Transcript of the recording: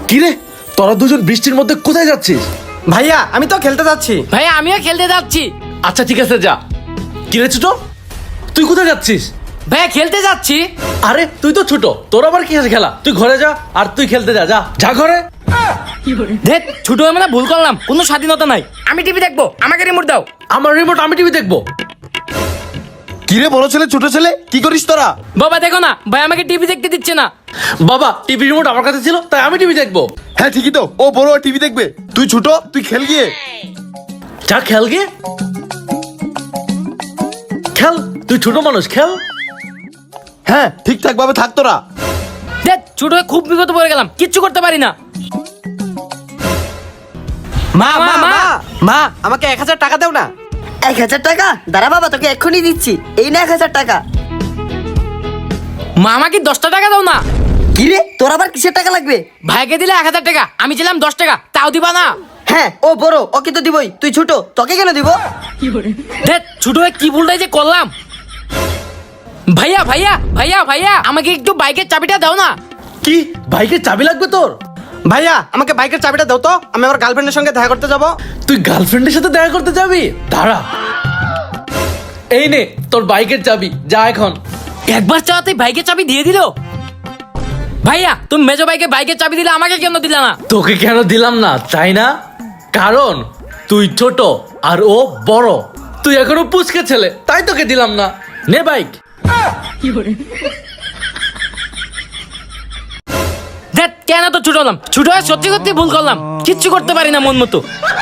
কি রে, তোরা দুজন বৃষ্টির মধ্যে কোথায় যাচ্ছিস? ভাইয়া আমি তো খেলতে যাচ্ছি। ভাইয়া আমিও খেলতে যাচ্ছি। আচ্ছা ঠিক আছে যা। কি রে ছোট, তুই কোথায় যাচ্ছিস? ভাইয়া খেলতে যাচ্ছি। আরে তুই তো ছোট, তোর আবার কি আছে খেলা? তুই ঘরে যা, আর তুই খেলতে যা, যা যা ঘরে। দেখ ছোট হয়ে মানে ভুল করলাম, কোনো স্বাধীনতা নাই। আমি টিভি দেখবো, আমাকে রিমোট দাও। আমার রিমোট, আমি টিভি দেখবো। কি রে বড় ছেলে ছোট ছেলে, কি করিস তোরা? বাবা দেখো না, ভাই আমাকে টিভি দেখতে দিচ্ছে না। বাবা টিভি রিমোট আমার কাছে ছিল, তাই আমি টিভি দেখবো। হ্যাঁ ঠিকই তো, ও বড় টিভি দেখবে, তুই ছোট, তুই খেল গিয়ে। যা খেল গিয়ে, খেল, তুই ছোট মানুষ, খেল। হ্যাঁ ঠিকঠাক ভাবে থাক তোরা। দেখ ছোট হয়ে খুব বিপদ পড়ে গেলাম, কিচ্ছু করতে পারি না। মা মা মা মা আমাকে 1000 টাকা দাও না। 1000 টাকা? দাঁড়া বাবা, তোকে এক্ষুনি দিচ্ছি। এই না 1000 টাকা। মা আমাকে 10টা টাকা দাও না। কি রে, তোর আবার কিসের টাকা লাগবে? ভাইকে দিলে 1000 টাকা, আমি ছিলাম 10 টাকা, তাও দিবা না? হ্যাঁ ও বড়, ওকে তো দিবই। তুই ছোট, তোকে কেন দিব? দেখ ছোট হয়ে কি ভুলটাই যে করলাম। ভাইয়া ভাইয়া ভাইয়া ভাইয়া আমাকে একটু বাইকের চাবিটা দাও না। কি, বাইকের চাবি লাগবে তোর? ভাইয়া আমাকে বাইকের চাবিটা দাও তো, আমি আমার গার্লফ্রেন্ডের সঙ্গে দেখা করতে যাব। তুই গার্লফ্রেন্ডের সাথে দেখা করতে যাবি? দাঁড়া, এই নে তোর বাইকের চাবি, যা এখন। একবার চাওয়াতেই বাইকের চাবি দিয়ে দিল। ভাইয়া তুমি মেজো বাইকে বাইকের চাবি দিলে, আমাকে কেন দিলা না? তোকে কেন দিলাম না চাই না, কারণ তুই ছোট আর ও বড়। তুই এখনো পুচকে ছেলে, তাই তোকে দিলাম না। নে বাইক। দেখ কেন তো ছোট হলাম, ছোট হয়ে সত্যি সত্যি ভুল করলাম, কিচ্ছু করতে পারি না মন মতো।